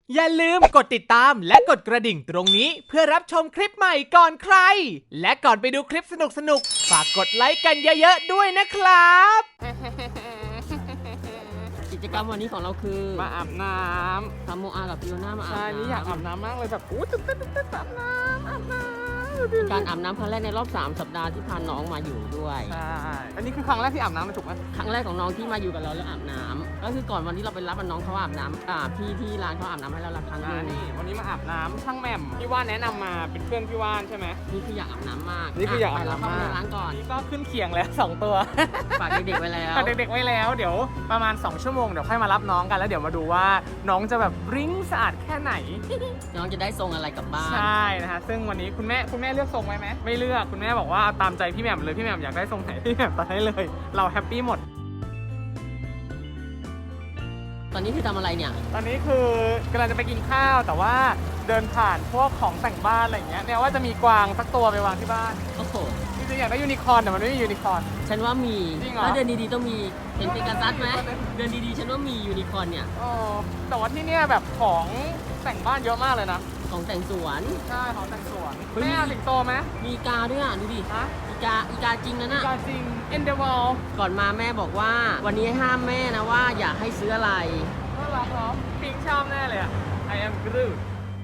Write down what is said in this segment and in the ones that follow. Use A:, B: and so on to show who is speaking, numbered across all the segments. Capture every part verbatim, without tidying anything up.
A: อย่าลืมกดติดตามและกดกระดิ่งตรงนี้เพื่อรับชมคลิปใหม่ก่อนใคร และก่อนไปดูคลิปสนุกๆ ฝากกดไลค์กันเยอะๆด้วยนะครับ
B: กิจกรรมวันนี้ของเราคือ
C: มาอาบน้
B: ทำโมอากับฟิโอน่ามา
C: ำ
B: อาบ
C: ใช่
B: น้ำ
C: นี่อยากอาบน้ำมากเลยแบบอู้ตื่นเต้นตื่นเต้นอาบน้ำอาบน้ำ
B: การอาบน้ำครั้งแรกในรอบสามสัปดาห์ที่พาน้องมาอยู่ด้วย
C: ใช่อันนี้คือครั้งแรกที่อาบน้ำเลยถูกไหม
B: ครั้งแรกของน้องที่มาอยู่กับเราแล้วอาบน้ำก็คือก่อนวันที่เราไปรับน้องเขาอาบน้ำอ่าพี่ที่ร้านเขาอาบน้ำให้เราละครั้งห
C: อ่า
B: นึง
C: นี่วันนี้มาอาบน้ำช่างแหม่มพี่ว่านแนะนำมาเป็นเพื่อนพี่ว่านใช่ไหม
B: นี่คืออยากอาบน้ำมาก
C: นี่คืออยากอาบน้ำ
B: ไปเรเข้าไป
C: มาก
B: ในร้านก่อน
C: นี่ก็ขึ้นเคียงแล้วสองตัว
B: ฝากเด็กๆไว้แล้ว
C: ฝากเด็กๆไว้แล้วเดี๋ยวประมาณสองชั่วโมงเดี๋ยวค่อยมารับน้องกันแล้วเดี๋ยวมาดูว่าน้องจะแบบริ้งสะอาดแค่ไหน
B: น้องจะได้ทรงอะไรกลับบ้าน
C: ใช่นะฮะซึ่งวันนี้คุณแม่คุณแม่เลือกทรงไว้ไหมไม่เลือกคุณแม่บอกว่าเอาตามใจพี่แหม่มเลยพี่แหม่มอยากได้ทรงไหนพี่แหม่มตัดให้เลย เราแฮปปี้หมด
B: ตอนนี้คือทำอะไรเนี่ย
C: ตอนนี้คือกำลังจะไปกินข้าวแต่ว่าเดินผ่านพวกของแต่งบ้านอะไรอย่างเงี้ยเนี่ยว่าจะมีกวางสักตัวไปวางที่บ้าน
B: โอ้โห
C: จริงๆอยากได้ยูนิคอร์นแต่มันไม่มียูนิคอร์น
B: ฉันว่ามี
C: จริงเหรอ
B: ถ้าเดินดีๆต้องมีเห็นเป็นกระซัดไหมเดินดีๆฉันว่ามียูนิคอร์นเนี่ย
C: เออแต่ว่าที่เนี่ยแบบของแต่งบ้านเยอะมากเลยนะ
B: ของแต่งสวน
C: ใช่ของแต่งสวน
B: เฮ้ย
C: แม่เอาสิงโตไหม
B: มีกาด้วยอ่ะดูดิ
C: ฮะ
B: อีกาอีกาจริงนะน่ะ
C: กาจริงเอ็นเดวอล
B: ก่อนมาแม่บอกว่า วันนี้ห้ามแม่นะว่าอยากให้ซื้ออะไร
C: น่ารักเนาะพิงชอบแน่เลยอะ I am Groot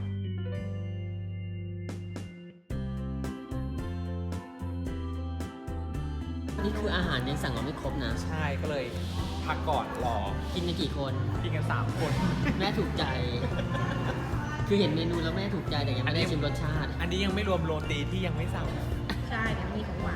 B: นี่คืออาหารยังสั่งเราไม่ครบนะ
A: ใช่ก็เลยพักก่อนรอ
B: กินกันกี่คน
A: กินกันสามคน
B: แม่ถูกใจ คือเห็นเมนูแล้วแม่ถูกใจแต่ยังไม่ได้ชิมรสชาติ
A: อันนี้ยังไม่รวมโรตีที่ยังไม่สั่ง
D: ใช่เดี๋ยวมีของหวาน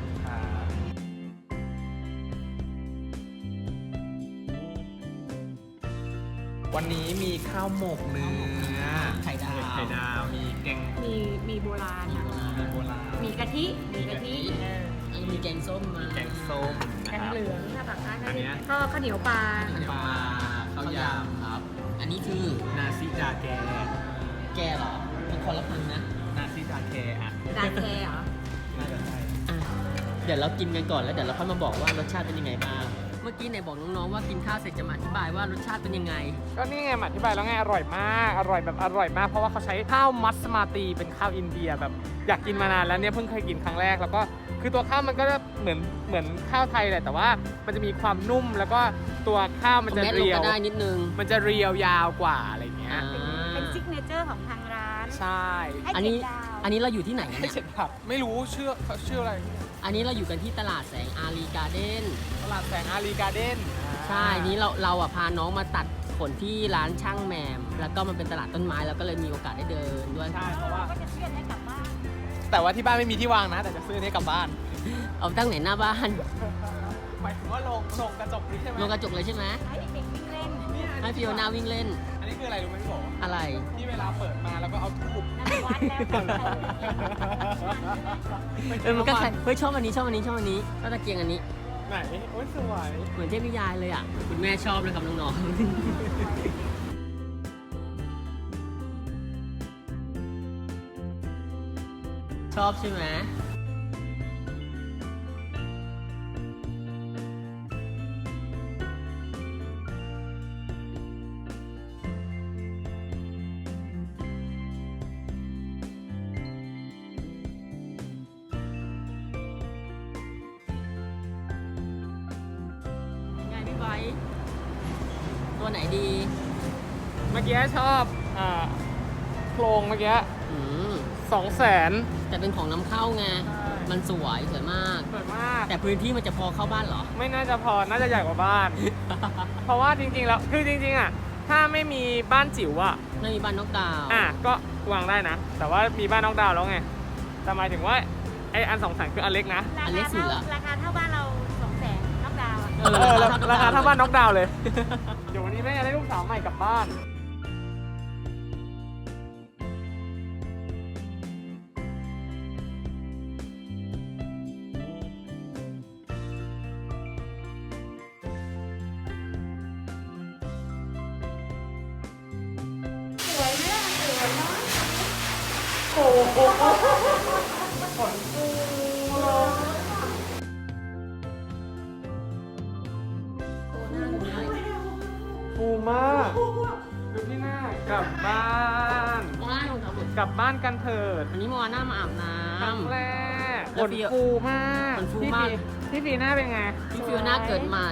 A: วันนี้มีข้าวหมกเนื้อ
B: ไข่ดาว
A: ไข่ดาวมีแกง
D: มีมีโบราณค่ะ
A: มีโบราณ
D: มีกะทิ มีกะทิเออ
B: อันนี้มีแกงส้มมา
A: แกงส้ม
D: แก
A: นะ
D: ง
A: ครับ
D: เหลืองถ้าปากใต้
A: อันเนี้ย
D: ก็ข้าวเหนียวปลา
B: ปลาข้าวยำครับ อันนี้คือ
A: นาซิดาแก
B: แกเหรอเป็นคนละพันนะ
A: นาซิดาแกอ่ะ
D: ดาแคเหรอ
A: น่าจะใช่
B: อ่ะเดี๋ยวเรากินกันก่อนแล้วเดี๋ยวเราค่อยมาบอกว่ารสชาติเป็นยังไงบ้าง เมื่อกี้ไหนบอกน้องๆว่ากินข้าวเสร็จจะมาอธิบายว่ารสชาติเป็นยังไง
C: ก็นี่ไงมาอธิบายแล้วไงอร่อยมาก อร่อยแบบอร่อยมาก เพราะว่าเขาใช้ข้าวมัสมาตีเป็นข้าวอินเดียแบบอยากกินมานานแล้วเนี่ยเพิ่งเคยกินครั้งแรกแล้วก็คือตัวข้าวมันก็เหมือนเหมือนข้าวไทยแหละแต่ว่ามันจะมีความนุ่มแล้วก็ตัวข้าวมันจะ
B: แมสลง
C: เรียว
B: ก็ได้นิดนึง
C: มันจะเรียวยาวกว่าอะไรเงี้ย
B: อ่า
D: เป็นซิกเนเจอร์ของทางร้าน
C: ใช่
D: ให้
B: อัน
D: เจ็
B: นี้
D: ดดาว
B: อันนี้เราอยู่ที่ไหนกัน
C: ให้
B: เนี่ย
C: เจ็ดผับไม่รู้ชื่อเขาชื่ออะไร
B: อันนี้เราอยู่กันที่ตลาดแสงอารีการ์เด้น
C: ตลาดแสงอารีการ์เด้น
B: ใช่นี้เราเราอ่ะพาน้องมาตัดขนที่ร้านช่างแมม แล้วก็มันเป็นตลาดต้นไม้เราก็เลยมีโอกาสได้เดินด้วย
C: ใช่เพราะว่า
D: ก็จะเชื่อดให้กลับบ้าน
C: แต่ว่าที่บ้านไม่มีที่วางนะ แต่จะซื้อนี้กลับบ้าน
B: เอาตั้งไหนหน้าบ้าน
C: หมายถึงว่าลงลงกระจกนี้ใช่ไหม
B: ลงกระจกเลยใช่ไหม
D: ให้เด็กๆวิ่งเล่น
C: เนี่ย
B: ให้ฟิโอน่าวิ่งเล่น
C: อันนี้คืออะไรรู้ไหมพี่โบ
B: อะไร
C: ที่เวลาเปิดมาแล้วก็เอาทูบ
D: นั่นวัดแล้วกัน
B: เออมันก็ใช่เฮ้ยชอบอันนี้ชอบอันนี้ชอบอันนี้ชอบตะเกียงอันนี้
C: ไหนโอ้ยสวย
B: เหมือนเทพนิยายเลยอ่ะ คุณแม่ชอบเลยครับน้องๆ ชอบใช่ไหมไงพี่ไบร์ทตัวไหนดี
C: เมื่อกี้ชอบอ่าโครงเมื่อกี้
B: อืม
C: สองแสน
B: แต่เป็นของนำเข้าไง
C: ใช่
B: มันสวยสวยมาก
C: สวยมาก
B: แต่พื้นที่มันจะพอเข้าบ้านเหรอ
C: ไม่น่าจะพอ น่าจะใหญ่กว่าบ้าน เพราะว่าจริงๆ แล้ว คือจริงๆ อ่ะ ถ้าไม่มีบ้านจิ๋วอ่ะ
B: ไม่มีบ้านนกดาว
C: อ่ะ ก็วางได้นะ แต่ว่ามีบ้านนอกดาวน์แล้วไง แต่หมายถึงว่าไออันสองแสนคืออันเล็กนะ
D: ราคาเท่าราคาเท่าบ้านเราสองแสนนอกดาวน์อะ
B: เอ
C: เออ
B: อ
C: ราคาเท่าบ้านนอกดาวน์เลย เดี๋ยววันนี้แม่จะได้ลูกสาวใหม่กลับบ้าน
D: สวยไหมล่ะสวยเนาะ
C: โอ้โหขนฟูเลย ฟูมาก ดูที่หน้ากลับบ้าน
B: โมอาน่ารองเท้าหลุด
C: กลับบ้านกันเถิด
B: วันนี้โมอาน่ามาอาบน้
C: ครั้งแรก
B: แล้ว
C: ขน
B: ฟิว
C: ฟูมาก
B: ขนฟู
C: พี่
B: มาก
C: ฟีพี่ฟีหน้าเป็นไง
B: ำพี่ฟิวน่าเกิดใหม่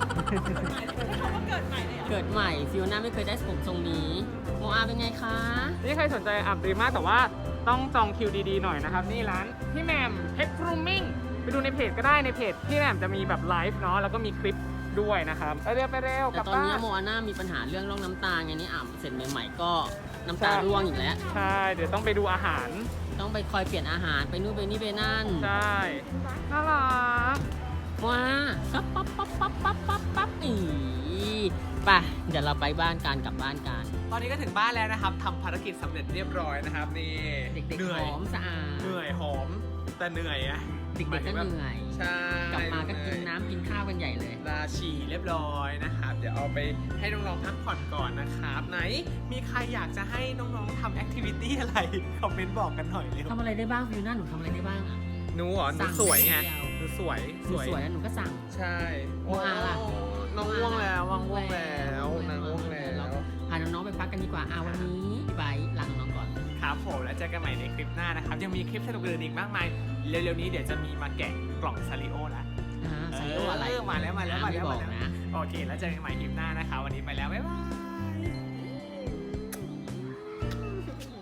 B: เกิดใหม่ฟิวน่าไม่เคยได้ผมทรงนี้โมอาเป็นไงคะ
C: นี่ใครสนใจอาบดีมากแต่ว่าต้องจองคิวดีๆหน่อยนะครับ นี่ร้านพี่แหม่มเพชรกรูมมิ่งไปดูในเพจก็ได้ในเพจพี่แหม่มจะมีแบบไลฟ์เนาะแล้วก็มีคลิปด้วยนะครับไปเร็วไปเร็วก
B: แต่
C: ลับ
B: ตอน
C: บ้า
B: นี้
C: น
B: โมอาน่ามีปัญหาเรื่องร่องน้ำตาไงนี่อาบเสร็จใหม่ๆก็น้ำตาร่วงอีกแล้ว
C: ใช่เดี๋ยวต้องไปดูอาหาร
B: ต้องไปคอยเปลี่ยนอาหารไปนู่นไปนี่ไปนั่น
C: ใช่น่ารัก
B: ว้าปั๊บปั๊บปั๊บปั๊บปั๊บปั๊บปั๊บอีไปเดี๋ยวเราไปบ้านกันกลับบ้านกัน
A: ตอนนี้ก็ถึงบ้านแล้วนะครับทำภารกิจสำเร็จเรียบร้อยนะครับนี่
B: เด็ก
A: เหนื่
B: ๆ
A: อย
B: หอมสะอาด
A: เหนื่อยหอมแต่เหนื่อยอะ
B: เด็กๆก็เหนื่อย
A: ใช่
B: กลับมาก็กินน้ำกินข้าวกันใหญ่เลย
A: ลาฉี่เรียบร้อยนะครับเดี๋ยวเอาไปให้น้องๆพักผ่อนก่อนนะครับไหนมีใครอยากจะให้น้องๆทำแอคทิวิตี้อะไรคอมเมนต์บอกกันหน่อยเร็ว
B: ทำอะไรได้บ้างฟิวน่าหนูทำอะไรได้บ้างอะ
A: หนูเหรอหนู
B: สั่ง
A: สวยไง
B: เดียว
A: หนูสวย
B: หนูสวยแล้วหนูก็สั่ง
A: ใช่
B: โมอาล่ะ
A: น้องง่วงแล้วว่างง่วงแล้วนางง่วงแล้ว
B: พาน้องๆไปพักกันดีกว่าอาวันนี้พี่ไบร์ทลาน้องๆก่อน
A: ครับผมแล้วเจอกันใหม่ในคลิปหน้านะครับ ยังมีคลิปสนุกอื่นอีกมากมาย เร็วๆนี้เดี๋ยวจะมีมาแกะกล่องซาริโอแล้ว
B: อ่าใส่โลอะไร
A: เออมาแล้วมาแล้วมาแล้ว
B: ไม่บอก
A: มาแล้ว
B: นะ
A: โอเค แล้วเจอกันใหม่คลิปหน้านะคะ วันนี้ไปแล้ว บ๊ายบาย